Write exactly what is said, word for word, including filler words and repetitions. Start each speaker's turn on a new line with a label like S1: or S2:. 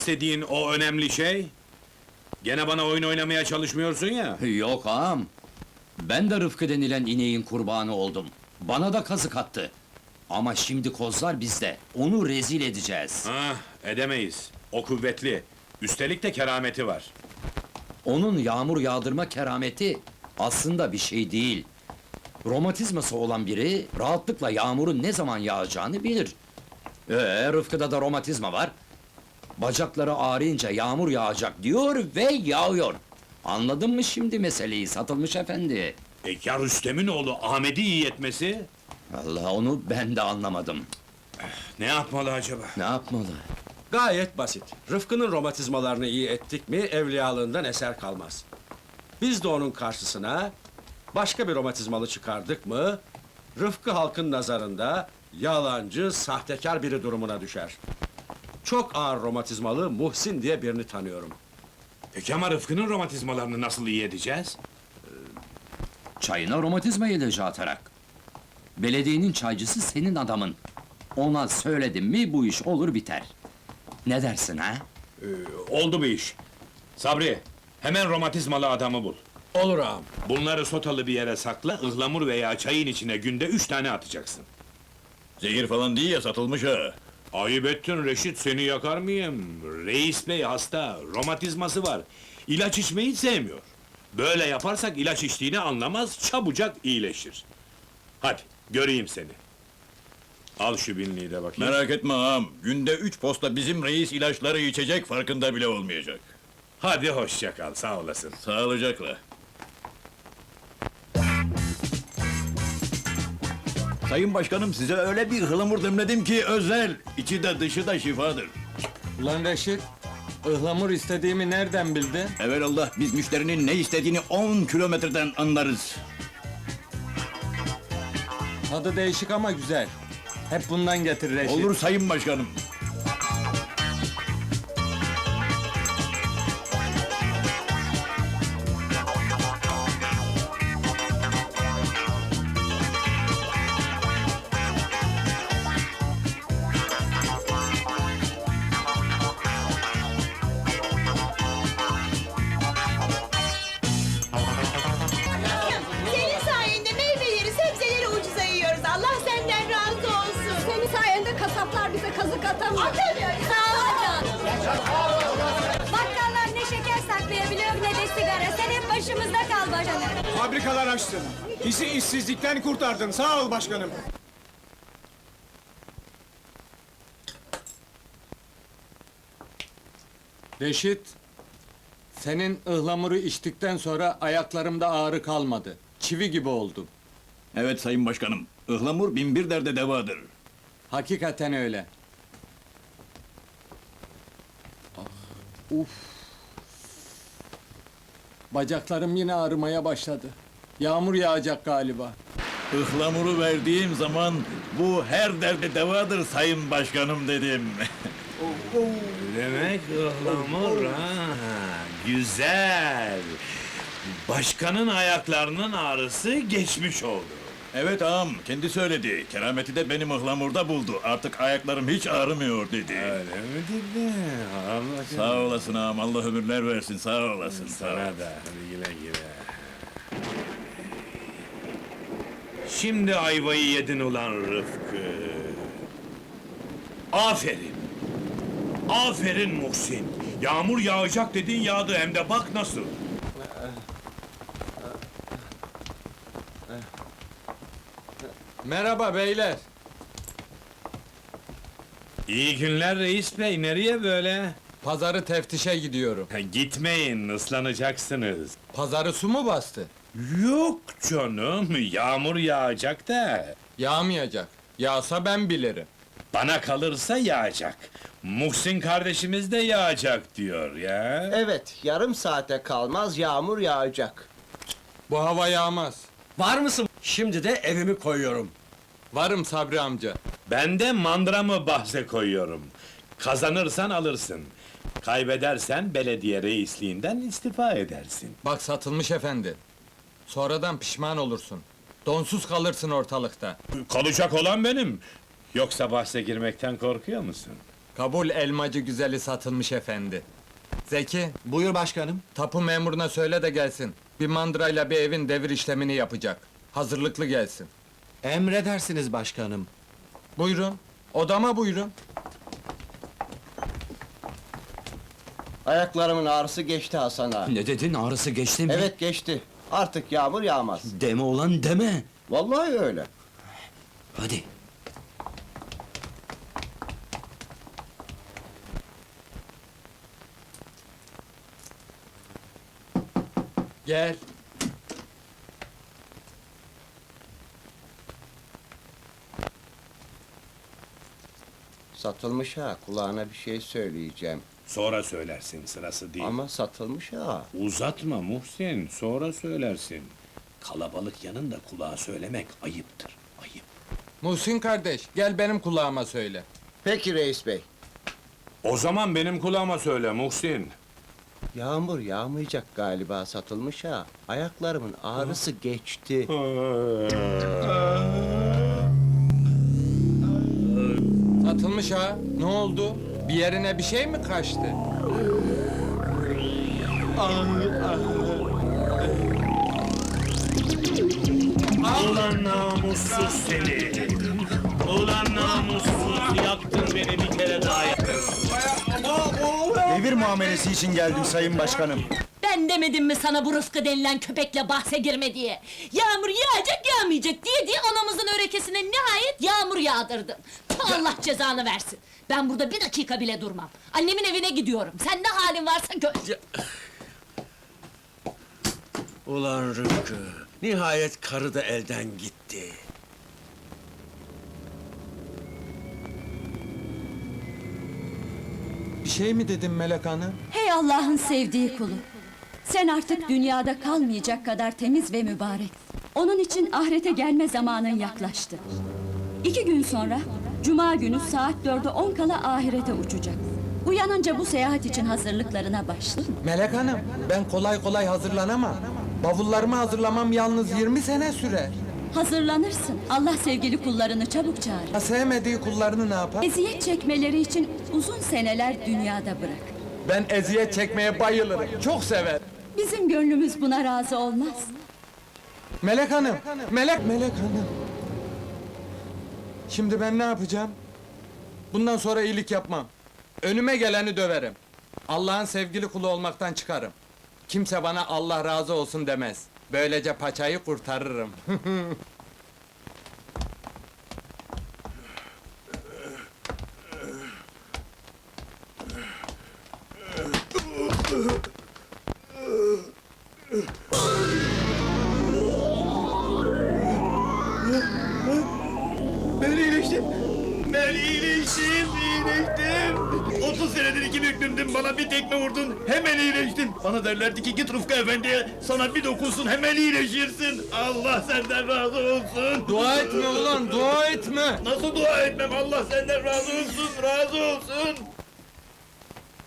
S1: İstediğin o önemli şey? Gene bana oyun oynamaya çalışmıyorsun ya.
S2: Yok ağam. Ben de Rıfkı denilen ineğin kurbanı oldum. Bana da kazık attı. Ama şimdi kozlar bizde. Onu rezil edeceğiz.
S1: Ah, edemeyiz. O kuvvetli. Üstelik de kerameti var.
S2: Onun yağmur yağdırma kerameti aslında bir şey değil. Romatizması olan biri rahatlıkla yağmurun ne zaman yağacağını bilir. Ee, Rıfkı'da da romatizma var. Bacakları ağrıyınca yağmur yağacak diyor ve yağıyor. Anladın mı şimdi meseleyi Satılmış efendi?
S1: E ya Rüstem'in oğlu Ahmet'i iyi etmesi?
S2: Allah, onu ben de anlamadım.
S1: Ne yapmalı acaba?
S2: Ne yapmalı?
S3: Gayet basit. Rıfkı'nın romatizmalarını iyi ettik mi, evliyalığından eser kalmaz. Biz de onun karşısına başka bir romatizmalı çıkardık mı, Rıfkı halkın nazarında yalancı, sahtekar biri durumuna düşer. Çok ağır romatizmalı Muhsin diye birini tanıyorum.
S1: Peki ama Rıfkı'nın romatizmalarını nasıl iyi edeceğiz?
S2: Çayına romatizma ilacı atarak. Belediyenin çaycısı senin adamın. Ona söyledim mi bu iş olur biter. Ne dersin ha?
S1: Ee, oldu bu iş. Sabri, hemen romatizmalı adamı bul.
S3: Olur ağam.
S1: Bunları sotalı bir yere sakla, ıhlamur veya çayın içine günde üç tane atacaksın.
S4: Zehir falan değil ya, Satılmış ha.
S1: Ayıp ettin Reşit, seni yakar mıyım? Reis bey hasta, romatizması var. İlaç içmeyi sevmiyor. Böyle yaparsak ilaç içtiğini anlamaz, çabucak iyileşir. Hadi, göreyim seni. Al şu binliği de bakayım.
S4: Merak etme ağam, günde üç posta bizim reis ilaçları içecek, farkında bile olmayacak.
S1: Hadi hoşça kal, sağ olasın.
S4: Sağlıcakla. Sayın Başkanım, size öyle bir ıhlamur demledim ki özel, içi de dışı da şifadır.
S5: Ulan Reşit, ıhlamur istediğimi nereden bildin?
S4: Evelallah, biz müşterinin ne istediğini on kilometreden anlarız.
S5: Tadı değişik ama güzel. Hep bundan getir Reşit.
S4: Olur Sayın Başkanım.
S6: Senin sayende meyveleri, sebzeleri ucuza yiyoruz. Allah senden razı olsun.
S7: Senin sayende kasaplar bize kazık atamıyor.
S6: Atamıyoruz.
S7: Sağ ol canım. Bakkallar ne şeker saklayabiliyor ne de sigara. Sen hep başımızda kal başkanım.
S8: Fabrikalar açtın. Bizi işsizlikten kurtardın. Sağ ol başkanım.
S5: Reşit, senin ıhlamuru içtikten sonra ayaklarımda ağrı kalmadı. Çivi gibi oldum.
S4: Evet Sayın Başkanım, ıhlamur bin bir derde devadır.
S5: Hakikaten öyle. Ah, uf. Bacaklarım yine ağrımaya başladı. Yağmur yağacak galiba.
S4: Ihlamuru verdiğim zaman bu her derde devadır Sayın Başkanım dedim.
S1: Demek ıhlamur ha, güzel. Başkanın ayaklarının ağrısı geçmiş oldu.
S4: Evet ağam, kendi söyledi. Kerameti de benim ıhlamurda buldu. Artık ayaklarım hiç ağrımıyor dedi.
S1: Öyle mi dedi? Allah
S4: Sağ olasın ağam, Allah ömürler versin, sağ olasın. Sağ ol.
S1: sana da, hadi güle güle. Şimdi ayvayı yedin ulan Rıfkı. Aferin. Aferin Muhsin. Yağmur yağacak dedin yağdı hem de bak nasıl.
S5: Merhaba beyler.
S1: İyi günler reis bey, nereye böyle?
S5: Pazarı teftişe gidiyorum.
S1: Ha, gitmeyin, ıslanacaksınız.
S5: Pazarı su mu bastı?
S1: Yok canım, yağmur yağacak da.
S5: Yağmayacak. Yağsa ben bilirim.
S1: Bana kalırsa yağacak. Muhsin kardeşimiz de yağacak diyor ya.
S9: Evet, yarım saate kalmaz yağmur yağacak.
S5: Bu hava yağmaz.
S3: Var mısın? Şimdi de evimi koyuyorum.
S5: Varım Sabri amca.
S1: Ben de mandramı bahse koyuyorum. Kazanırsan alırsın. Kaybedersen belediye reisliğinden istifa edersin.
S5: Bak Satılmış efendi. Sonradan pişman olursun. Donsuz kalırsın ortalıkta.
S1: Kalacak olan benim. Yoksa bahse girmekten korkuyor musun?
S5: Kabul elmacı güzeli satılmış efendi. Zeki,
S8: Buyur başkanım.
S5: tapu memuruna söyle de gelsin. Bir mandrayla bir evin devir işlemini yapacak. Hazırlıklı gelsin.
S8: Emredersiniz başkanım.
S5: Buyurun, odama buyurun.
S9: Ayaklarımın ağrısı geçti Hasan ağa.
S2: Ne dedin, ağrısı geçti mi?
S9: Evet geçti. Artık yağmur yağmaz.
S2: Deme olan deme.
S9: Vallahi öyle.
S2: Hadi.
S5: Gel.
S9: Satılmış ha. Kulağına bir şey söyleyeceğim.
S1: Sonra söylersin, sırası değil.
S9: Ama satılmış ha.
S1: Uzatma Muhsin, sonra söylersin. Kalabalık yanında kulağa söylemek ayıptır, ayıp.
S5: Muhsin kardeş, gel benim kulağıma söyle.
S9: Peki reis bey.
S1: O zaman benim kulağıma söyle Muhsin.
S9: Yağmur yağmayacak galiba, satılmış ha. Ayaklarımın ağrısı geçti.
S5: Satılmış ha, ne oldu? Bir yerine bir şey mi kaçtı?
S1: Ulan namussuz seni! Ulan namussuz, yaktın beni bir kere daha yaktın.
S8: Devir muamelesi için geldim sayın başkanım.
S7: Ben demedim mi sana bu Rıfkı denilen köpekle bahse girme diye? Yağmur yağacak yağmayacak diye diye anamızın örekesine nihayet yağmur yağdırdın. Allah cezanı versin. Ben burada bir dakika bile durmam. Annemin evine gidiyorum. Sen ne halin varsa gör.
S3: Ulan Rıfkı, nihayet karı da elden gitti.
S5: Bir şey mi dedim Melek Hanım?
S7: Hey Allah'ın sevdiği kulu. Sen artık dünyada kalmayacak kadar temiz ve mübarek. Onun için ahirete gelme zamanın yaklaştı. İki gün sonra, Cuma günü saat dörde on kala ahirete uçacak. Uyanınca bu seyahat için hazırlıklarına başla.
S5: Melek Hanım, ben kolay kolay hazırlanamam. Bavullarımı hazırlamam yalnız yirmi sene sürer.
S7: Hazırlanırsın. Allah sevgili kullarını çabuk çağırır.
S5: Ha, sevmediği kullarını ne yapar?
S7: Eziyet çekmeleri için uzun seneler dünyada bırak.
S5: Ben eziyet çekmeye bayılırım, çok sever.
S7: Bizim gönlümüz buna razı olmaz.
S5: Melek Hanım, Melek, Melek Hanım. Şimdi ben ne yapacağım? Bundan sonra iyilik yapmam. Önüme geleni döverim. Allah'ın sevgili kulu olmaktan çıkarım. Kimse bana Allah razı olsun demez. Böylece paçayı kurtarırım.
S4: Ben iyileştim. Ben iyileştim, iyileştim. otuz senedir iki büklümdüm, bana bir tekme vurdun, hemen iyileştim. Bana derlerdi ki git Rıfkı Efendi'ye, sana bir dokunsun, hemen iyileşirsin. Allah senden razı olsun.
S5: Dua etme ulan, dua etme!
S4: Nasıl dua etmem, Allah senden razı olsun, razı olsun.